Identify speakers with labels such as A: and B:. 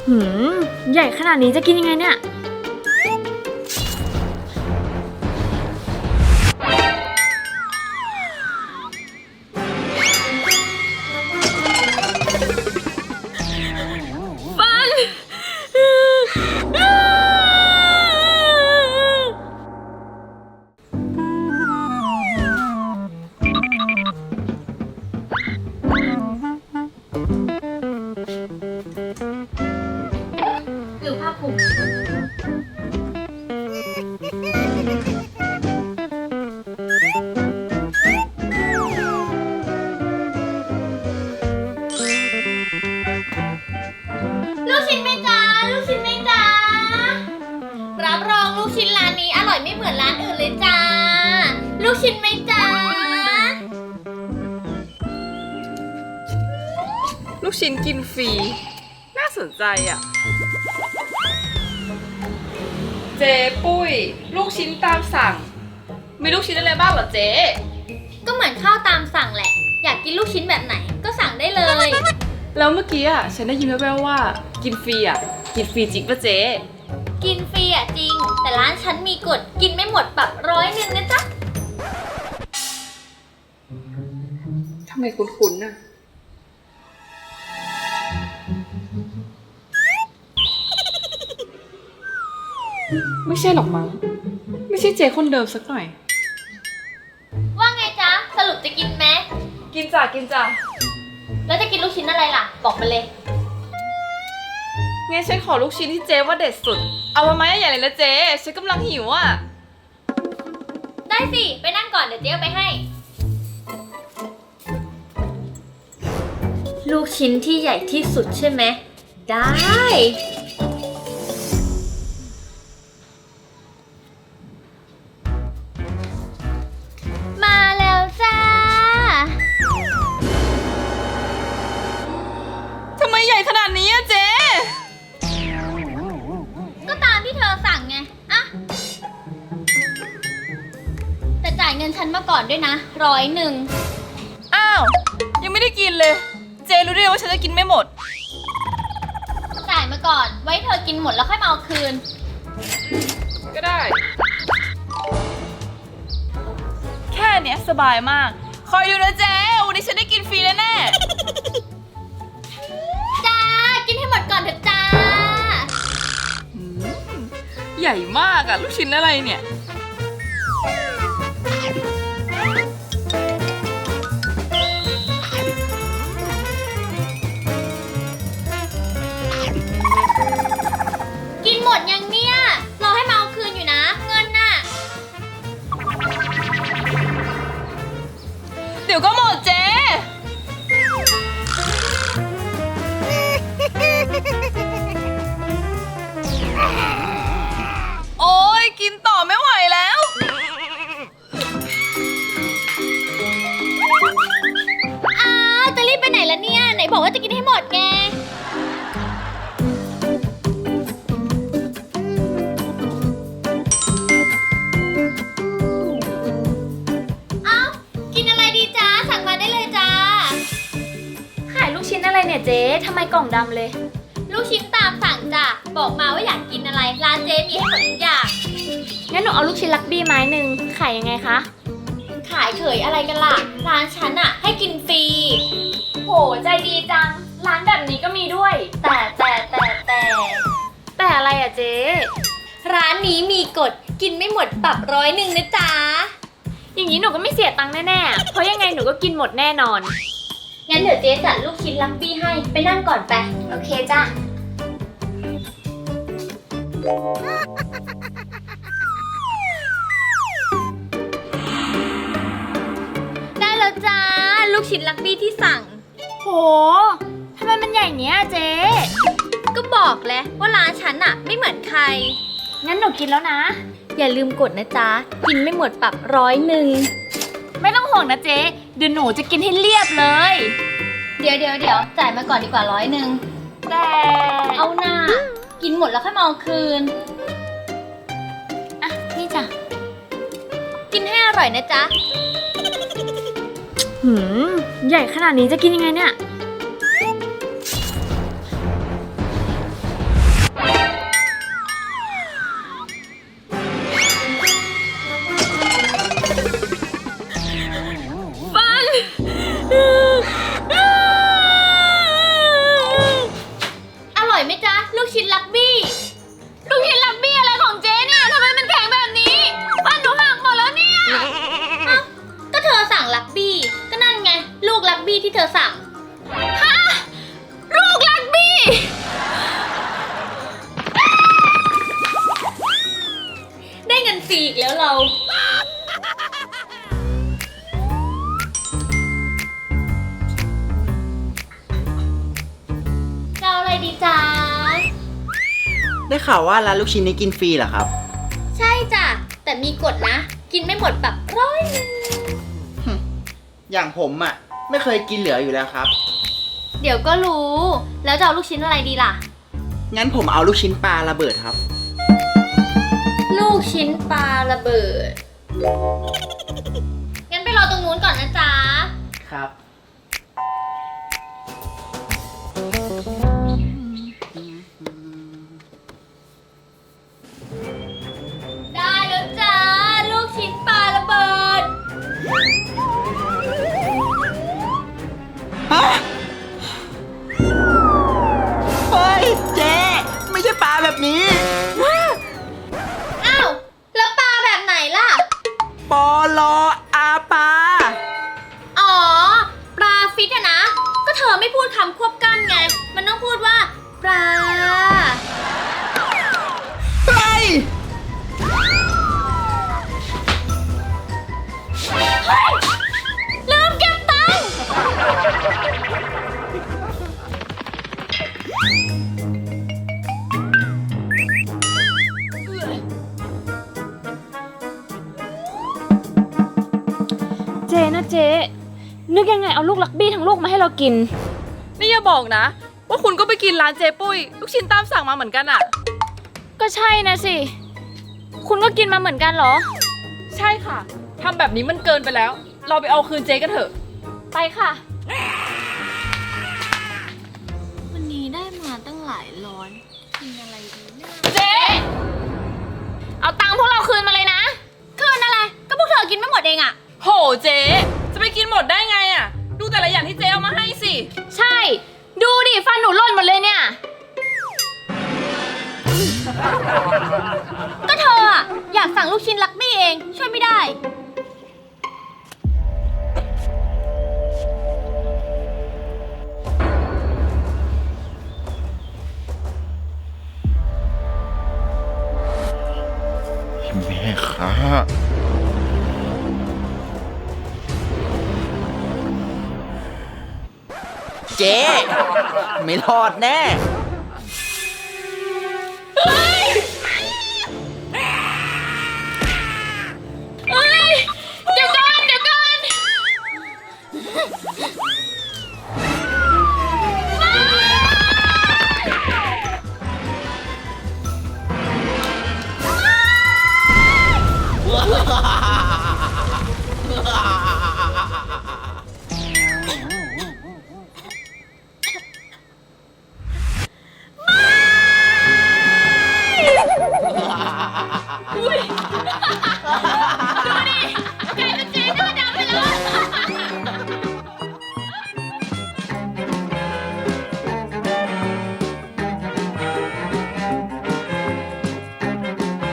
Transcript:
A: หืมใหญ่ขนาดนี้จะกินยังไงเนี่ย
B: หรือผ้าคลุมลูกชิ้นไหมจ๊ะลูกชิ้นไหมจ๊ะรับรองลูกชิ้นร้านนี้อร่อยไม่เหมือนร้านอื่นเลยจ้าลูกชิ้นไหมจ๊ะ
C: ลูกชิ้นกินฟรีน่าสนใจอ่ะเจ๊ปุ้ยลูกชิ้นตามสั่งมีลูกชิ้นอะไรบ้างเหรอเจ๊
B: ก็เหมือนข้าวตามสั่งแหละอยากกินลูกชิ้นแบบไหนก็สั่งได้เลย
C: แล้วเมื่อกี้อ่ะฉันได้ยินแว่วๆว่ากินฟรีอ่ะกินฟรีจริงป่ะเจ๊
B: กินฟรีอ่ะจริงแต่ร้านฉันมีกฎกินไม่หมดปรับ100นะจ๊ะ
C: ทำไมคุ้นๆน่ะไม่ใช่หรอกมั้งไม่ใช่เจ๊คนเดิมสักหน่อย
B: ว่าไงจ๊ะสรุปจะกินไหม
C: กินจ้ะกินจ้ะ
B: แล้วจะกินลูกชิ้นอะไรล่ะบอกมาเลย
C: งั้นฉันขอลูกชิ้นที่เจ๊ว่าเด็ดสุดเอามาไหมใหญ่เลยนะเจ๊ฉันกำลังหิวอ่ะ
B: ได้สิไปนั่งก่อนเดี๋ยวเจ๊เอาไปให้ ลูกชิ้นที่ใหญ่ที่สุดใช่ไหมได้มาแล้วจ้า
C: ทำไมใหญ่ขนาดนี้อะเจ๊
B: ก็ตามที่เธอสั่งไงอะแต่จ่ายเงินฉันมาก่อนด้วยนะ100
C: อ้าวยังไม่ได้กินเลยเจ๊รู้ได้ไงว่าฉันจะกินไม่หมด
B: จ่ายมาก่อนไว้เธอกินหมดแล้วค่อยมาเอาคืน
C: ก็ได้ แค่เนี้ยสบายมากคอยดูนะเจ๊วันนี้ฉันได้กินฟรีแน่
B: จ้ากินให้หมดก่อนเถอะจ้า
C: ๆอืมใหญ่มากอะลูกชิ้นอะไรเนี่ย
B: กินหมดยังเนี่ยรอให้มาเอาคืนอยู่นะเงินน่ะ
C: เดี๋ยวก็หมดเจ๊โอ๊ยกินต่อไม่ไหวแล้ว
B: อ้าวจะรีบไปไหนล่ะเนี่ยไหนบอกว่าจะกินให้หมดไงเอ้ากินอะไรดีจ้าสั่งมาได้เลยจ้า
A: ขายลูกชิ้นอะไรเนี่ยเจ๊ทำไมกล่องดำเลย
B: ลูกชิ้นตามสั่งจ้ะบอกมาว่าอยากกินอะไรร้านเจ๊มีให้หมดทุกอย่าง
A: งั้นหนูเอาลูกชิ้นลักบี้ไม้หนึ่งขายยังไงคะ
B: ขายเขยอะไรกันล่ะร้านฉันอะให้กินฟรี
A: โหใจดีจังร้านแบบนี้ก็มีด้วย แต่อะไรอะเจ๊
B: ร้านนี้มีกฎกินไม่หมดปรับ100นะจ๊ะ
A: อย่างนี้หนูก็ไม่เสียตังค์แน่ๆเพราะยังไงหนูก็กินหมดแน่นอน
B: งั้นเดี๋ยวเจ๊จัดลูกชิ้นลักบี้ให้ไปนั่งก่อนไป
A: โอเคจ้ะ
B: ได้แล้วจ้าลูกชิ้นลักบี้ที่สั่ง
A: โหทำไมมันใหญ่เนี้ยเจ๊
B: ก็บอกแล้วว่าร้านฉันอะไม่เหมือนใคร
A: งั้นหนูกินแล้วนะ
B: อย่าลืมกดนะจ๊ะกินไม่หมดปรับ100
A: ไม่ต้องห่วงนะเจ๊เดี๋ยวหนูจะกินให้เรียบเลย
B: เดี๋ยวจ่ายมาก่อนดีกว่า100
A: แต่
B: เอาหน้ากินหมดแล้วค่อยมาเอาคืน
A: อ่ะนี่จ้ะ
B: กินให้อร่อยนะจ๊ะ
A: หืมใหญ่ขนาดนี้จะกินยังไงเนี่ย
B: อยไหมจ๊ะ ลูกชิ้นลักบี้
A: ลูกชิ้นลักบี้อะไรของเจ๊เนี่ยทำไมมันแข็งแบบนี้ฟันหนูหักหมดแล้วเนี่ย
B: ก็เธอสั่งลักบี้ ก็นั่นไง ลูกลักบี้ที่เธอสั่ง
A: ลูกลักบี้
B: ได้เงินฟรีอีกแล้วเรา จะเอาอะไรดีจ๊ะ
D: ได้ข่าวว่าร้านลูกชิ้นนี้กินฟรีเหรอครับ
B: ใช่จ้ะ แต่มีกฎนะ กินไม่หมดแบบ100
D: อย่างผมอ่ะ ไม่เคยกินเหลืออยู่แล้วครับ
B: เดี๋ยวก็รู้ แล้วจะเอาลูกชิ้นอะไรดีล่ะ
D: งั้นผมเอาลูกชิ้นปลาระเบิดครับ
B: ลูกชิ้นปลาระเบิด งั้นไปรอตรงนู้นก่อนนะจ๊ะ
D: ครับ
B: ได้แล้วจ้า ลูกชิ้นปลาระเบิด
D: ฮะ เฮ้ย เจ๊ไม่ใช่ปลาแบบนี้
B: อ้าว แล้วปลาแบบไหนล่ะ
D: ปอลออาปลา
B: อ๋อ ปลาฟิตอะนะ ก็เธอไม่พูดคำควบกล้ำไง มันต้องพูดว่า ปลา
D: เฮ้ย
B: ลืมเก็บตังค์
A: เจ๊นะเจ๊นึกยังไงเอาลูกลักบี้ทั้งลูกมาให้เรากิน
C: นี่อย่าบอกนะ ว่าคุณก็ไปกินร้านเจ๊ปุ้ย ลูกชิ้นตามสั่งมาเหมือนกันอะ
A: ก็ใช่นะสิ คุณก็กินมาเหมือนกันเหรอ
C: ใช่ค่ะทำแบบนี้มันเกินไปแล้ว เราไปเอาคืนเจ๊กันเถอะ
A: ไปค่ะ
B: วันนี้ได้มาตั้งหลายร้อยกินอะไรดีนะ
A: เจ๊เอาตังค์พวกเราคืนมาเลยนะ
B: คืนอะไร ก็พวกเธอกินไม่หมดเองอะ
C: โหเจ๊จะไปกินหมดได้ไงอะดูแต่ละอย่างที่เจ๊เอามาให้สิ
A: ใช่ ดูดิฟันหนูหล่นหมดเลยเนี่ย
B: ก็เธออะอยากสั่งลูกชิ้นลักบี้เอง ช่วยไม่ได้
E: แม่ค้า
D: เจ๊ไม่รอดแน่